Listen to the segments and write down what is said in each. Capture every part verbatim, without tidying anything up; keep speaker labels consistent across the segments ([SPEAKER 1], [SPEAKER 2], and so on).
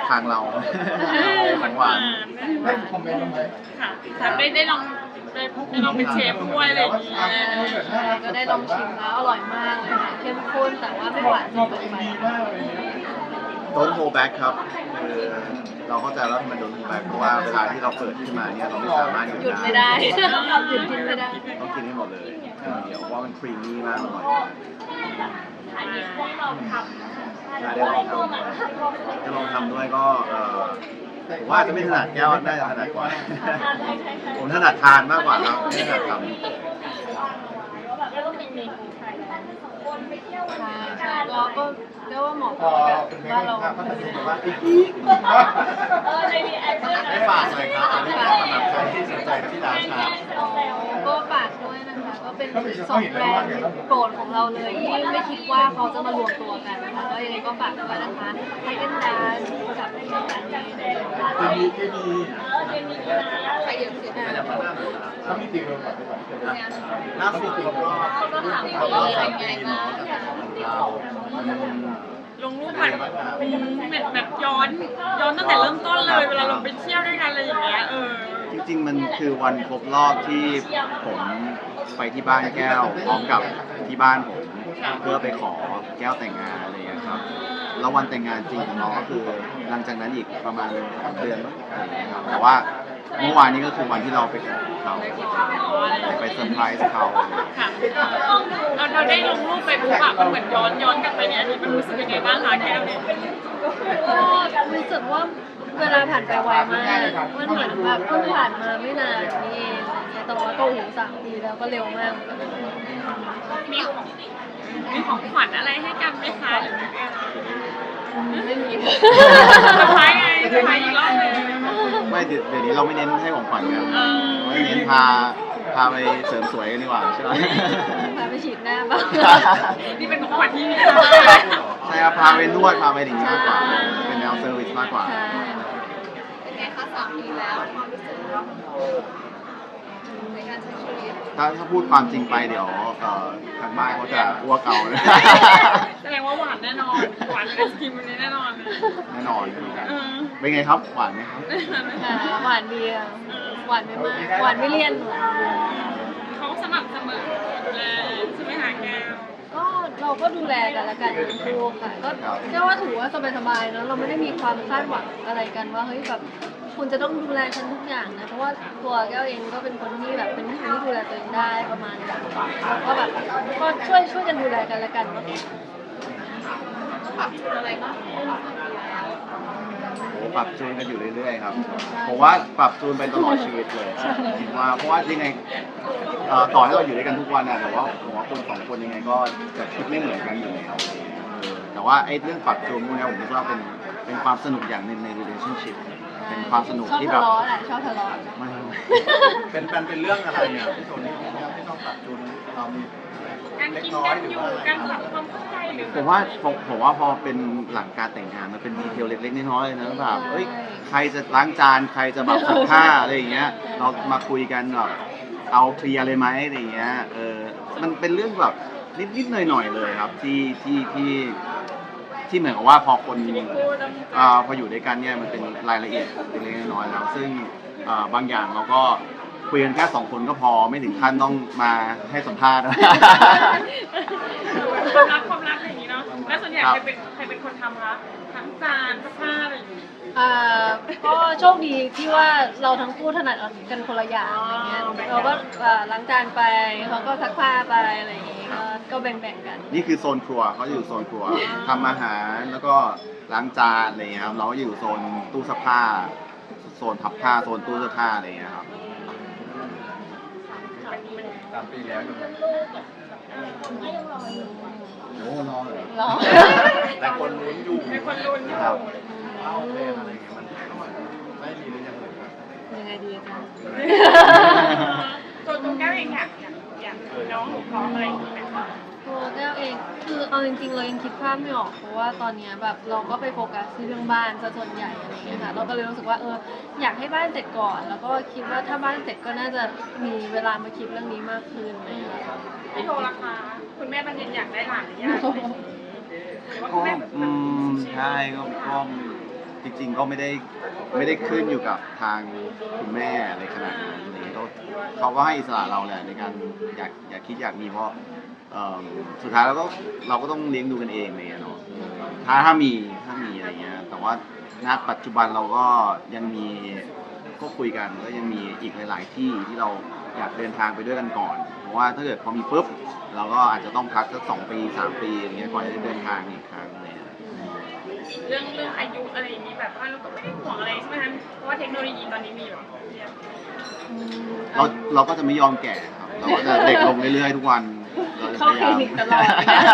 [SPEAKER 1] ทางเราของหวาน
[SPEAKER 2] ได้คอมเมนต์บ้างไหม
[SPEAKER 3] ค่ะแต่ไม่ได้ลองได้ได้ลองเป็นเชฟด้วยอะไรอย่างเงี้ย
[SPEAKER 4] ก็ได้ลองชิมแล้วอร่อยมากเลยค่ะเข้มข้นแต่ว่าไม่หวานจนเกินไป
[SPEAKER 2] ดีมากเลยเนี่ย
[SPEAKER 1] Don't hold back ครับคือเราเข้าใจว่ามัน Don't hold back เพราะว่าเวลาที่เราเปิดขึ้นมาเนี่ยเราไม่สามารถหยุด
[SPEAKER 4] หยุดไม่
[SPEAKER 1] ได้
[SPEAKER 4] ได้หยุดกินไม่ได้
[SPEAKER 1] ต้องกินให้หมดเลยเดี๋ยวเพราะว่ามันครีมมี่มากอร่อยได้ลองทำได้ลองทำด้วยก็เออผมว่าจะไม่ถนัดแก้วน่าจะถนัดกว่าผมถนัดทานมากกว่าครับไม่ถนัดทำ
[SPEAKER 4] ใช่ใช่เราก็เรียกว่าเหมาะ
[SPEAKER 2] พ
[SPEAKER 4] กั
[SPEAKER 2] อบ
[SPEAKER 4] แบบ
[SPEAKER 2] เป็นเพล
[SPEAKER 4] ว่าง เรา
[SPEAKER 2] ภาพพัฒนาแบบว่าอีก
[SPEAKER 1] ได้ฝากเลยครับอันนี้ก็สำหรับใครที่สนใจที่ร้านชา
[SPEAKER 4] ก็ฝากด้วยนะคะก็เป็นสองแบรนด์โปรดของเราเลยที่ไม่คิดว่าเขาจะมารวมตัวกันนะคะก็ยังไงก็ฝากด้วยนะคะไฮเดนดานกับไฮเดนดานนี่
[SPEAKER 2] เคมีเคมี
[SPEAKER 4] ใครเยอะสุดนะ
[SPEAKER 2] เขามีติ่งเลยแบบไปแบบ
[SPEAKER 1] ล่าสุดก็
[SPEAKER 4] ก็ถาม
[SPEAKER 1] เขา
[SPEAKER 4] ว่า
[SPEAKER 1] ก็
[SPEAKER 4] อะไร
[SPEAKER 1] ทำ
[SPEAKER 4] ไง
[SPEAKER 1] ปี
[SPEAKER 4] บ้า
[SPEAKER 1] เนาะ
[SPEAKER 4] ง
[SPEAKER 1] จากของเรา
[SPEAKER 3] ลงรูปแบบแบบแบบย้อนย้อนตั้งแต่เริ่มต้นเลยเวลาเราไปเที่ยวด้วยกันอะไรอย่างเงี้ยเออ
[SPEAKER 1] จริงๆมันคือวันครบรอบที่ผมไปที่บ้านแก้วพร้อมกับที่บ้านผมเพื่อไปขอแก้วแต่งงานอะไรอย่างเงี้ยครับแล้ววันแต่งงานจริงของน้องก็คือหลังจากนั้นอีกประมาณสองเดือนมั้งอะไรอย่างเงี้ยครับแต่ว่าเมื่อวานนี้ก็คือวันที่เราไปขอเขาไปเซอร์ไพรส์เขา
[SPEAKER 3] ค่ะเราเราได้ลงรูปไปปุ๊บอะมันเหมือนย้อนย้อนกลับไปเนี่ยอันนี้มันรู้สึกยังไงบ้างคะแก้วเนี่ย
[SPEAKER 4] ก็รู้สึกว่าเวลาผ่านไปไวมากมันเหมือนแบบเพิ่งผ่านมาไม่นานนี่เองแต่ว่าก็หูสามปีแล้วก็เร็วมาก
[SPEAKER 3] มีของมีของขวัญอะไรให้กันไหมคะหรือไม่มี
[SPEAKER 4] ไม่มี
[SPEAKER 3] เซอร์ไพรส์ไงเซอร์ไพรส์อีกรอบหนึง
[SPEAKER 1] ไม่เดี๋ยวเดี๋ยวนี้เราไม่เน้นให้ของขวัญกัน
[SPEAKER 3] เออ
[SPEAKER 1] ไม่เน้นพาพาไปเสริมสวยกันดีกว่าใช่ไหม
[SPEAKER 4] พาไปฉีดหน้าบ้าง
[SPEAKER 3] นี่เป็นของขวัญที่มี
[SPEAKER 1] ใช่ครับพาไปนวดพาไปอย่างนี้มากกว่าเป็นแนวเซอร์วิสมากกว่า
[SPEAKER 4] ใช่
[SPEAKER 5] เป็นไงคะสามปีแล้วความรู้สึกเราทั้งคู่ในการใช้ชีวิต
[SPEAKER 1] ถ้าถ้าพูดความจริงไปเดี๋ยวเอ่อทางบ้านเขาจะอ้วกเอานะ
[SPEAKER 3] แสดงว่าหวานแน่นอนหวานเป็นไอศกรีมวันนี้แน่นอนเลย
[SPEAKER 1] แน่นอน
[SPEAKER 3] เออ
[SPEAKER 1] เป็นไงครับหวานไหมครับ
[SPEAKER 4] ค่ะหวานเบียร์หวานไม่มากหวานไม่เลี่ยน
[SPEAKER 3] เขาสม่ำเสมอดูแลใช่ไหมคะแก้ว
[SPEAKER 4] ก็เราก็ดูแลกันและกันทั้งคู่ค่ะก็เรียกว่าถือว่าสบายๆเนอะเราไม่ได้มีความคาดหวังอะไรกันว่าเฮ้ยแบบคุณจะต้องดูแลฉันทุกอย่างนะเพราะว่าตัวแก้วเองก็เป็นคนที่แบบเป็นคนที่ดูแลตัวเองได้ประมาณนึงแล้วก็แบบก็ช่วยช่วยกันดูแลกันและกันมากกว่า
[SPEAKER 5] ปรับจูนอะไรบ้าง
[SPEAKER 1] โอ้ปรับจูนกันอยู่เรื่อยๆครับผมว่าปรับจูนไปตลอดชีวิตเลยผมว่าเพราะว่ายังไงเอ่อต่อให้เราอยู่ด้วยกันทุกวันนะแต่ว่าผมว่าคนสองคนยังไงก็จะคิดไม่เหมือนกันอยู่แล้วเออแต่ว่าไอ้เรื่องปรับจูนพวกนี้ผมคิดว่าเป็นเป็นความสนุกอย่างหนึ่งใน relationship เป็นความสนุก
[SPEAKER 4] ชอบ
[SPEAKER 1] ที่แบ
[SPEAKER 4] ทะ
[SPEAKER 1] บ
[SPEAKER 4] เลาะแหละชอบทะเลาะ
[SPEAKER 1] ไม่เป็นเป็นเป็นเรื่องอะไรเนี่ยที่ตรงนี้ที่ต้องปรับจูนเรามี
[SPEAKER 3] การกินกันอยู่การปรับความเข้าใจหรือ
[SPEAKER 1] ผมว่าผมผมว่าพอเป็นหลังการแต่งงานมันเป็นดีเทลเล็กๆน้อยๆเลยนะแบบเอ้ยใครจะล้างจานใครจะแบบซักผ้าอะไรอย่างเงี้ยเรามาคุยกันแบบเอาเคลียร์เลยไหมอะไรอย่างเงี้ยเออมันเป็นเรื่องแบบนิดๆหน่อยๆเลยครับที่ที่ที่ที่เหมือนกับว่าพอคนอ่าพออยู่ด้วยกันเนี่ยมันเป็นรายละเอียดเล็กๆน้อยๆแล้วซึ่งอ่าบางอย่างเราก็คุยกันแค่สองคนก็พอไม่ถึงขั้นต้องมาให้สัมภาษณ์
[SPEAKER 3] ความรักความรักอะไรอย่างนี้เนาะแล้วส่วนใหญ่ใครเป็นใครเป็นคนทำคะทั้งจานซักผ้าอะไรอย่างนี้
[SPEAKER 4] อ่าก็โชคดีที่ว่าเราทั้งคู่ถนัดกันคนละอย่างอะไรเงี้ยเราก็อ่าล้างจานไปเขาก็ซักผ้าไปอะไรอย่างงี้ก็ก็แบ่งๆกัน
[SPEAKER 1] นี่คือโซนครัวเขาจะอยู่โซนครัวทำอาหารแล้วก็ล้างจานอะไรอย่างเงี้ยครับเราก็อยู่โซนตู้เสื้อผ้าโซนพับผ้าโซนตู้เสื้อผ้าอะไรอย่างเงี้ยครับสามปีแล้วโอ้รอเหรอ
[SPEAKER 4] รอ
[SPEAKER 1] แต่คนลุ้นอยู่
[SPEAKER 3] เป็นคนลุ้นอยู่
[SPEAKER 1] ครับเอาเพลงอะไรอย่างเงี้ยมันไม่มีหรือยังไงครับ
[SPEAKER 4] ยังไงดีอาจารย์
[SPEAKER 3] ตัวตัวแก้วเองอยากอยากอยากน้องหนูขออะไรอย่างนี้ไหมคะ
[SPEAKER 4] ตัวแก้วเองคือเอาจริงๆเรายังคิดภาพไม่ออกเพราะว่าตอนเนี้ยแบบเราก็ไปโฟกัสที่เรื่องบ้านซะส่วนใหญ่อะไรอย่างเงี้ยค่ะเราก็เลยรู้สึกว่าเอออยากให้บ้านเสร็จก่อน แล้วก็คิดว่าถ้าบ้านเสร็จก็น่าจะมีเวลามาคิดเรื่องนี้มากขึ้นอะไรอย่างเงี้ยค่ะ
[SPEAKER 3] พี่โทรราคาคุณแม่บันเย็นอยากได้หลานหรือยังหรือว่า
[SPEAKER 1] ก็
[SPEAKER 3] คุณแม่
[SPEAKER 1] อืมใช่ก็ก็จจริงๆก็ไม่ได้ไม่ได้ขึ้นอยู่กับทางคุณแม่อะไรขนาดนั้นอะไรเงี้ยก็เขาก็ให้อิสระเราแหละในการอยากอยากคิดอยากมีเพราะเอ่อสุดท้ายเราก็เราก็ต้องเลี้ยงดูกันเองอะไรเงี้ยเนาะถ้าถ้ามีถ้ามีอะไรเงี้ยแต่ว่าณปัจจุบันเราก็ยังมีก็คุยกันก็ยังมีอีกหลาย ๆ ที่ที่เราอยากเดินทางไปด้วยกันก่อน เพราะว่าถ้าเกิดพอมีปุ๊บเราก็อาจจะต้องพักสักสองปีสามปีอย่างเงี้ยก่อนจะได้เดินทางอีกครั้งเลย
[SPEAKER 3] เรื่องเรื่องอายุอะไรอย่างนี้แบบว่าเราก็ไม่ได้ห่วงอะไรใช่ไหมคะเพราะว่าเทคโนโลยีตอนนี้มีแบบเรียก
[SPEAKER 1] เราเราก็จะไม่ยอมแก่ครับเราก็จะเด็กลงเรื่อยๆทุกวันเราจะพยายาม
[SPEAKER 4] เข้าคลินิกตลอด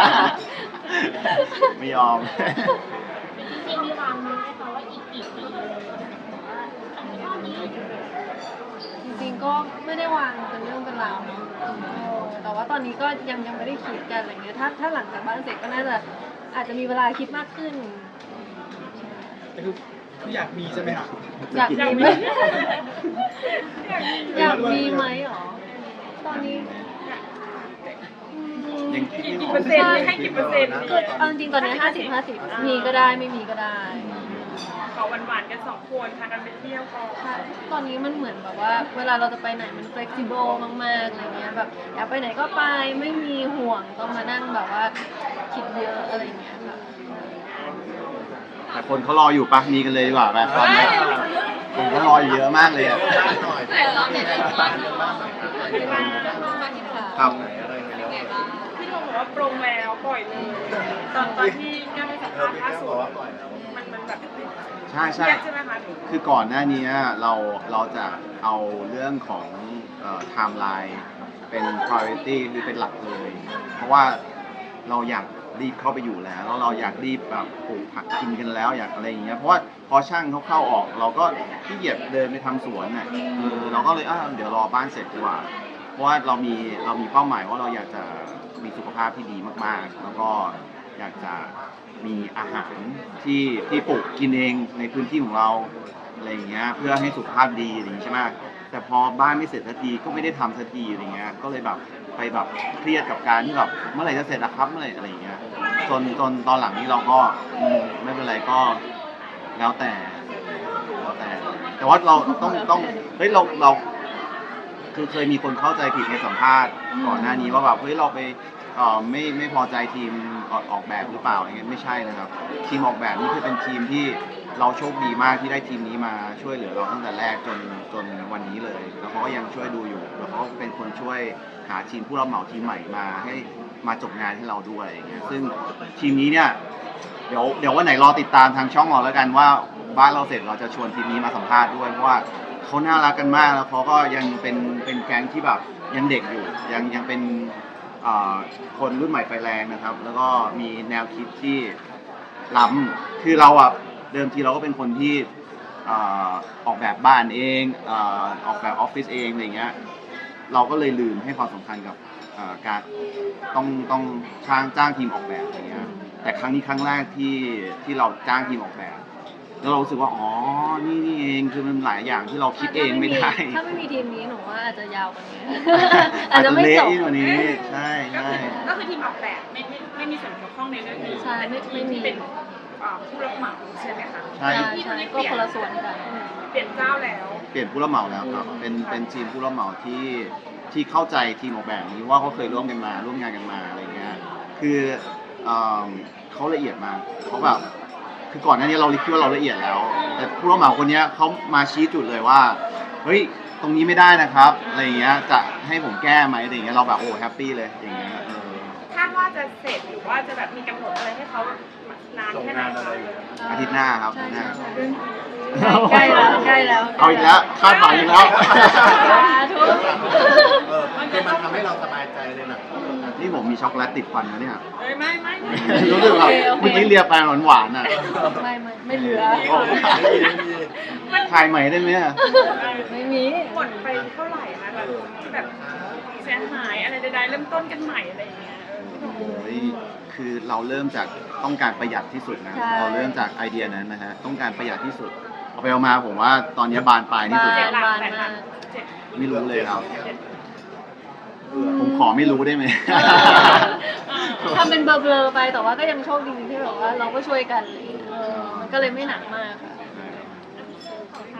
[SPEAKER 1] ไม่ยอม
[SPEAKER 5] จริงๆมีวางมือไหมคะว่าอีกกี่ปีเท่านี้
[SPEAKER 4] จริงๆก็ไม่ได้วางเป็นเรื่องเป็นราวเนอะเออแต่ว่าตอนนี้ก็ยังยังไม่ได้คิดกันอะไรเงี้ยถ้าถ้าหลังจากบ้านเสร็จก็น่าจะอาจจะมีเวลาคิดมากขึ้น
[SPEAKER 2] แต่คือคืออยากมีใช่ไหมครับ
[SPEAKER 4] อยากมีไหมอยากมีไหมหรอตอนนี้อืม
[SPEAKER 1] ยังคิดไม่
[SPEAKER 3] กี่
[SPEAKER 1] ออก
[SPEAKER 3] เปอร์เซ็นต์ให้กี่เปอร์เซ็นต์
[SPEAKER 4] คือเอาจริงๆตอนนี้ห้าสิบห้าสิบมีก็ได้ไม่มีก็ได้
[SPEAKER 3] ขอหวานๆกันสองคนพากันไปเที่ยวก่อน
[SPEAKER 4] ใช่ตอนนี้มันเหมือนแบบว่า เวลาเราจะไปไหนมัน flexible มากๆอะไรเงี้ยแบบอยากไปไหนก็ไปไม่มีห่วงต้องมานั่งแบบว่าคิดเยอะอะไรเงี้ยค่ะ
[SPEAKER 1] แต่คนเขารออยู่ปะมีกันเลยดีกว่าแบบตอนนี้คนเขารออยู่เยอะมากเลยอ่ะ
[SPEAKER 5] แต่เราเนี่ยเป็นบ้านบ้าน
[SPEAKER 1] ครับ
[SPEAKER 3] พี่โทบอกว่าปรงแล้วปล่อยเลยตอนตอนที่แก้วไปสัมภาษณ์ล่าสุดมันมันแบบ
[SPEAKER 1] ใช่ใช่
[SPEAKER 3] เครียดใช่ไหมคะ
[SPEAKER 1] คือก่อนหน้านี้เราเราจะเอาเรื่องของเอ่อ timeline เป็น priority หรือเป็นหลักเลย เพราะว่าเราอยากรีบเข้าไปอยู่แล้วแล้วเราอยากรีบแบบปลูกผักกินกันแล้วอยากอะไรอย่างเงี้ยเพราะว่าพอช่างเขาเข้าออก เราก็ขี้เกียจเดินไปทำสวนน่ะเออเราก็เลยอ่ะเดี๋ยวรอบ้านเสร็จดีกว่า เพราะว่าเรามีเรามีเป้าหมายว่าเราอยากจะมีสุขภาพที่ดีมากๆ แล้วก็อยากจะมีอาหารที่ที่ปลูกกินเองในพื้นที่ของเราอะไรอย่างเงี้ยเพื่อให้สุขภาพดีอย่างนี้ใช่ไหมแต่พอบ้านไม่เสร็จสักทีก็ไม่ได้ทำสักทีอะไรเงี้ยก็เลยแบบไปแบบเครียดกับการที่แบบเมื่อไหร่จะเสร็จอะครับเมื่อไหร่อะไรอย่างเงี้ยจนจนตอนหลังนี้เราก็อืมไม่เป็นไรก็แล้วแต่แล้วแต่ แต่ว่าเราต้องต้องเฮ้ยเราเรา คือเคยมีคนเข้าใจผิดในสัมภาษณ์ก่อนหน้านี้ว่าแบบเฮ้ยเราไปเอ่อไม่ไม่พอใจทีมออกออกแบบหรือเปล่าอย่างเงี้ยไม่ใช่นะครับ ทีมออกแบบนี่คือเป็นทีมที่เราโชคดีมากที่ได้ทีมนี้มาช่วยเหลือเราตั้งแต่แรกจนจนวันนี้เลย แล้วเขาก็ยังช่วยดูอยู่แล้วเขาก็เป็นคนช่วยหาทีมผู้รับเหมาทีมใหม่มาให้มาจบงานให้เราด้วยอย่างเงี้ยซึ่งทีมนี้เนี่ยเดี๋ยวเดี๋ยววันไหนรอติดตามทางช่องเราแล้วกันว่าบ้านเราเสร็จเราจะชวนทีมนี้มาสัมภาษณ์ด้วยเพราะว่าเขาน่ารักกันมากแล้วเขาก็ยังเป็นเป็นแก๊งที่แบบยังเด็กอยู่ยังยังเป็นอ่าคนรุ่นใหม่ไฟแรงนะครับ แล้วก็มีแนวคิดที่ล้ำคือเราอ่ะเดิมทีเราก็เป็นคนที่อ่าออกแบบบ้านเองอ่าออกแบบออฟฟิศเองอะไรเงี้ยเราก็เลยลืมให้ความสำคัญกับอ่าการต้องต้องจ้างจ้างทีมออกแบบอะไรเงี้ยแต่ครั้งนี้ครั้งแรกที่ที่เราจ้างทีมออกแบบแล้วเรารู้สึกว่าอ๋อนี่นี่เองคือมันหลายอย่างที่เราคิดเองไม่ได้
[SPEAKER 4] ถ้าไม่มีทีมนี้หนูว่าอาจจะยาวกว่านี้
[SPEAKER 1] อาจจะ
[SPEAKER 4] ไม่
[SPEAKER 1] เละ
[SPEAKER 4] จบ
[SPEAKER 1] ยิ่งกว่านี้ใช่
[SPEAKER 3] ก็
[SPEAKER 1] ใช่
[SPEAKER 3] คือก็คือทีมออกแบบไม่ไม่ไม่มีส่วนเกี่ยวข้องในเรื่องนี้
[SPEAKER 4] ใช่ไม่ไม่มี
[SPEAKER 3] ที่เป็นอ่าผู้รับเหมาใช่ไหมคะ
[SPEAKER 1] ใช่
[SPEAKER 4] ใช่ใช่ก็คนละส่วนกัน
[SPEAKER 3] เปลี่ยนเจ้าแล้ว
[SPEAKER 1] เปลี่ยนผู้รับเหมาแล้วครับ เป็นเป็นทีมผู้รับเหมาที่ที่เข้าใจทีมออกแบบนี้ว่าเขาเคยร่วมกันมาร่วมงานกันมาอะไรเงี้ย คือเอิ่มเขาละเอียดมากเขาแบบ คือก่อนหน้านี้เราคิดว่าเราละเอียดแล้ว แต่ผู้รับเหมาคนเนี้ยเขามาชี้จุดเลยว่า เฮ้ย ตรงนี้ไม่ได้นะครับ อะไรเงี้ย จะให้ผมแก้ไหมอะไรเงี้ย เราแบบโอ้แฮปปี้เลย อย่างเงี้ยเออ
[SPEAKER 3] คาดว่าจะเสร็จหรือว่าจะแบบมีกำหนดอะไรให้เขานานแค่ไหนคะ
[SPEAKER 1] อาทิตย์หน้าครับ
[SPEAKER 4] ใช่
[SPEAKER 1] อาทิตย์หน้า
[SPEAKER 4] ใช่ใกล้แล้วใกล้แล้ว
[SPEAKER 1] เอาอีกแล้ว คาดหวังอีกแล้ว
[SPEAKER 4] สาธุ
[SPEAKER 2] เออคือมันทำให้เราสบายใจเลยนะ
[SPEAKER 1] นี่ผมมีช็อกโกแลตติดฟันนะเนี่ย
[SPEAKER 3] เอ้ยไม่ไม่ไม่
[SPEAKER 1] รู้สึกแบบเมื่อกี้เรียไปหวานๆอ่ะ
[SPEAKER 4] ไม่ไม่ไม่เหลือ
[SPEAKER 1] โอ้ถ่ายใหม่ได้ไหมอะ
[SPEAKER 4] ไม่มี
[SPEAKER 3] หมดไปเท่าไหร่คะแบบที่แบบเสียหายอะไรใดๆเริ่มต้นกันใหม่อะไรอย่างเงี้ยเออ
[SPEAKER 1] โอ้ยคือเราเริ่มจากต้องการประหยัดที่สุดนะ
[SPEAKER 4] ใช่
[SPEAKER 1] เราเริ่มจากไอเดียนั้นนะฮะ ต้องการประหยัดที่สุด เอาไปเอามาผมว่าตอนนี้บานปลายที่สุด
[SPEAKER 4] บา
[SPEAKER 3] เจ็
[SPEAKER 1] แล้
[SPEAKER 3] ด
[SPEAKER 1] ว
[SPEAKER 3] หลักแปดหลักเจ็ด
[SPEAKER 1] ไม่รู้เลยครับ ผมขอไม่รู้ได้ไหม
[SPEAKER 4] ทำเป็นเบลอๆไปแต่ว่าก็ยังโชคดีที่แบบว่าเราก็ช่วยกันอะไรอย่างเลยเออมันก็เลยไม่หนักมากค่ะ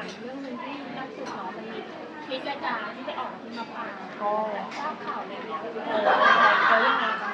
[SPEAKER 5] ามเรื่องหนึงที่ล่าสุดเนาะมันมีคลิปอาจารย์ที่ไปออกที่มะปราง
[SPEAKER 4] ก็
[SPEAKER 5] ทราบข่าวอะไรเนี่ยเออเขายังไงบ้าง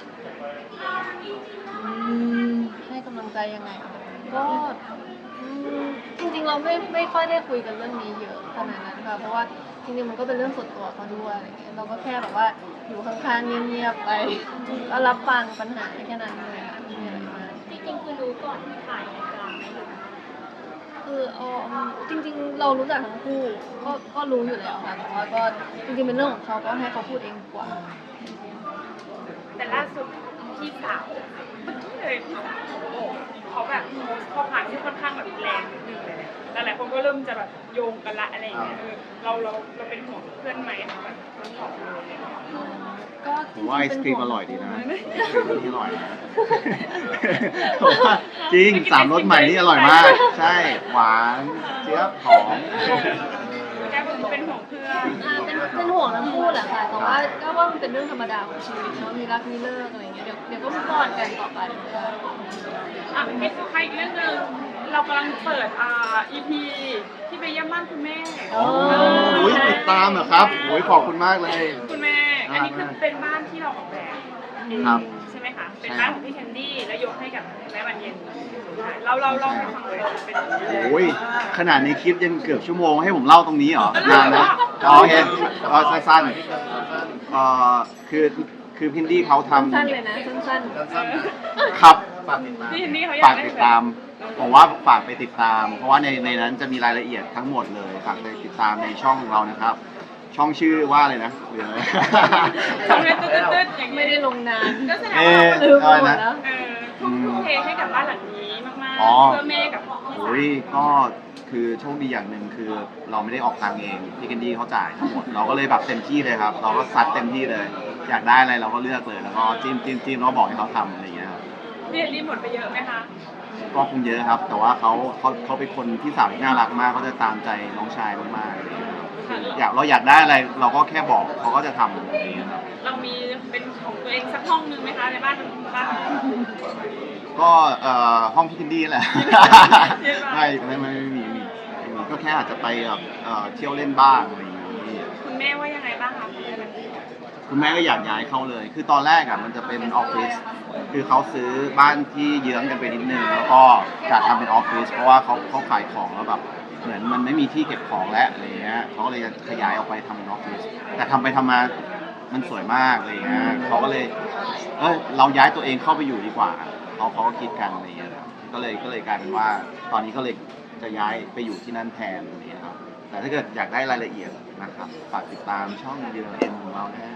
[SPEAKER 4] อืมให้กำลังใจยังไงอะก็อืมจริงๆเราไม่ไม่ค่อยได้คุยกันเรื่องนี้เยอะขนาดนั้นค่ะเพราะว่าจริงๆมันก็เป็นเรื่องส่วนตัวเขาด้วยอะไรเงี้ยเราก็แค่แบบว่าอยู่ข้างๆเงียบๆไปก็รับฟังปัญหาแค่นั้นเลยค่ะไม่มีอะไรมาก
[SPEAKER 5] จริงๆคือรู้ก่อนถ่ายรายการไหมหรือ
[SPEAKER 4] คือเออจริงๆเรารู้จักทั้งคู่ก็ก็รู้อยู่แล้วค่ะแต่ว่าก็จริงๆเป็นเรื่องของเขาก็ให้เขาพูดเองดีกว่า
[SPEAKER 3] แต่ล่าสุดพี่สาวเมื่อกี้เลยพี่สาวเขาบอกเขาแบบโพสต์ข้อความที่ค่อนข้างแบบแรงนิดนึงเลยหลายๆคนก็เริ่มจะแบบโยงกันละอะไรอย่างเงี้ยเออเราเราเราเป็นห่วงเพื่อนไหมคะแบบทั้งสองเลยเนี่ย
[SPEAKER 4] ก็จ
[SPEAKER 1] ผ
[SPEAKER 4] ริ
[SPEAKER 1] ม
[SPEAKER 4] งๆ
[SPEAKER 1] ว่าไอศ
[SPEAKER 4] เป็น
[SPEAKER 1] ครีม
[SPEAKER 4] ห่ว
[SPEAKER 1] อง ร่อยดีนะไอศครีมนี่อร่อยนะ
[SPEAKER 3] เ
[SPEAKER 1] ผมว่าจริงสามรสใหม่นี่อร่อยมาก ใช่หวานเจี๊ยบหอม
[SPEAKER 3] แกเป็นห่วงเพื่อน
[SPEAKER 4] อ่าเป็นเป็นห่วงทั้งคู่แหละค่ะแต่ว่าก็ว่ามันเป็นเรื่องธรรมดาของชีวิตเนาะมีรักมีเลิกอะไรอย่างเงี้ยเดี๋ยวเดี๋ยวก็มุกออนกันต่อไป
[SPEAKER 3] อ่ะพี่สุใครอีกเรื่องหนึงเรากำลังเปิดอ่า อี พี ที่ไปเยี่ยมบ้านคุณแม่
[SPEAKER 1] โอ้ยติดตามเหรอครับโอ้ยขอบคุณมากเลย
[SPEAKER 3] คุณแม่ อันนี้คือเป็นบ้านที่เราออกแบบ
[SPEAKER 1] ครับ
[SPEAKER 3] ใช่ไหมคะ เป็นบ้านของพี่แคนดี้แล้วยกให้กับแม่บานเย็นเราเราเล่าให้ฟังเลยเป็นยังไง
[SPEAKER 1] โอ้ยขนาดในคลิปยังเกือบชั่วโมงให้ผมเล่าตรงนี้เหรอนานนะอ๋อโอเคอ๋อสั้นๆเอ่อคือคือพินดี้เขาทำ
[SPEAKER 4] สั้นๆเลยนะสั้น
[SPEAKER 1] ครับ
[SPEAKER 3] พี่แคนดี้เขาอยา
[SPEAKER 1] ฝาก ก
[SPEAKER 3] ได้
[SPEAKER 1] ติดตามผมว่าฝากไปติดตาม เพราะว่าในในนั้นจะมีรายละเอียดทั้งหมดเลยฝากไปติดตามในช่องของเรานะครับ ช่องชื่อว่าอะไรนะหรืออะไร
[SPEAKER 3] ทำเลยตืดๆอย่าง
[SPEAKER 4] ๆ
[SPEAKER 3] นี้
[SPEAKER 4] ไม่ได้ลงนาน
[SPEAKER 3] ก็แสดง
[SPEAKER 1] เอ
[SPEAKER 3] ว่า
[SPEAKER 1] อ
[SPEAKER 4] ลืมไป
[SPEAKER 1] อะไร
[SPEAKER 4] หม
[SPEAKER 1] นะ
[SPEAKER 4] ดแล้ว
[SPEAKER 3] เออทุ่มทุ่มเทให้กับบ้านหลังนี้มาก
[SPEAKER 1] อ๋อ
[SPEAKER 3] ๆ เพื่อแม่กับพี่สาว
[SPEAKER 1] โอ้ยก็คือโชคดีอย่างหนึ่งคือเราไม่ได้ออกทางเองพี่แคนดี้เขาจ่ายทั้งหมดเราก็เลยแบบเต็มที่เลยครับ เราก็ซัดเต็มที่เลย อยากได้อะไรเราก็เลือกเลยแล้วก็จิ้มจิ้มจิ้มแล้วก็บอกให้เขาทำอะไรอย่างเงี้ยครับ
[SPEAKER 3] พี่แคนดี้หมดไปเยอะไหมคะ
[SPEAKER 1] ก็คงเยอะครับ แต่ว่าเขาเขาเขาเป็นคนที่สาวที่น่ารักมากเขาจะตามใจน้องชายมากๆอะไรอย่างเงี้ยครับอยากเราอยากได้อะไรเราก็แค่บอกเขาก็จะทำอะไรอย่างเงี้ยครับ
[SPEAKER 3] เรามีเป็นของตัวเองสักห้องนึงไหมคะในบ้านบ้าน
[SPEAKER 1] ก็เอ่อห้องพี่แคนดี้แหละ
[SPEAKER 3] เรียบร้อย
[SPEAKER 1] ไม่ไม่ไม่ไม่มีไม่มีไม่มีก็แค่อาจจะไปแบบเอ่อเที่ยวเล่นบ้างอะไรอย่างงี้
[SPEAKER 3] คุณแม่ว่ายังไงบ้างคะ
[SPEAKER 1] คุณแม่ก็อยากย้ายเข้าเลย คือตอนแรกอ่ะมันจะเป็นออฟฟิศคือเขาซื้อบ้านที่เยื้องกันไปนิดนึงแล้วก็จะทำเป็นออฟฟิศเพราะว่าเขาเขาขายของแล้วแบบเหมือนมันไม่มีที่เก็บของแล้วอะไรเงี้ยเขาก็เลยจะขยายออกไปทำเป็นออฟฟิศแต่ทำไปทำมามันสวยมากอะไรเงี้ยเขาก็เลยเออเราย้ายตัวเองเข้าไปอยู่ดีกว่าเขาเขาก็คิดกันอะไรเงี้ยครับก็เลยก็เลยกลายเป็นว่า ตอนนี้ก็เลยจะย้ายไปอยู่ที่นั่นแทนอะไรเงี้ยครับแต่ถ้าเกิดอยากได้รายละเอียดนะครับฝากติดตามช่องเยือนเอ็นของเรานะฮะ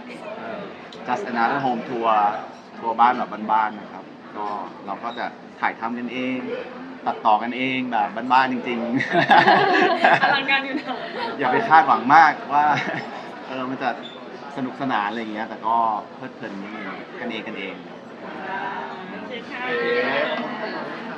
[SPEAKER 1] just another home tour ทัวร์บ้านแบบบ้านๆนะครับ ก็เราก็จะถ่ายทำกันเอง ตัดต่อกันเองแบบบ้านๆจริง
[SPEAKER 3] อลังการอยู่นะ
[SPEAKER 1] ๆ อย่าไปคาดหวังมากว่า เออมันจะสนุกสนานอะไรอย่างเงี้ย แต่ก็เพลิดเพลินนิดนึงกันเองกันเอง
[SPEAKER 3] โอเคค่ะ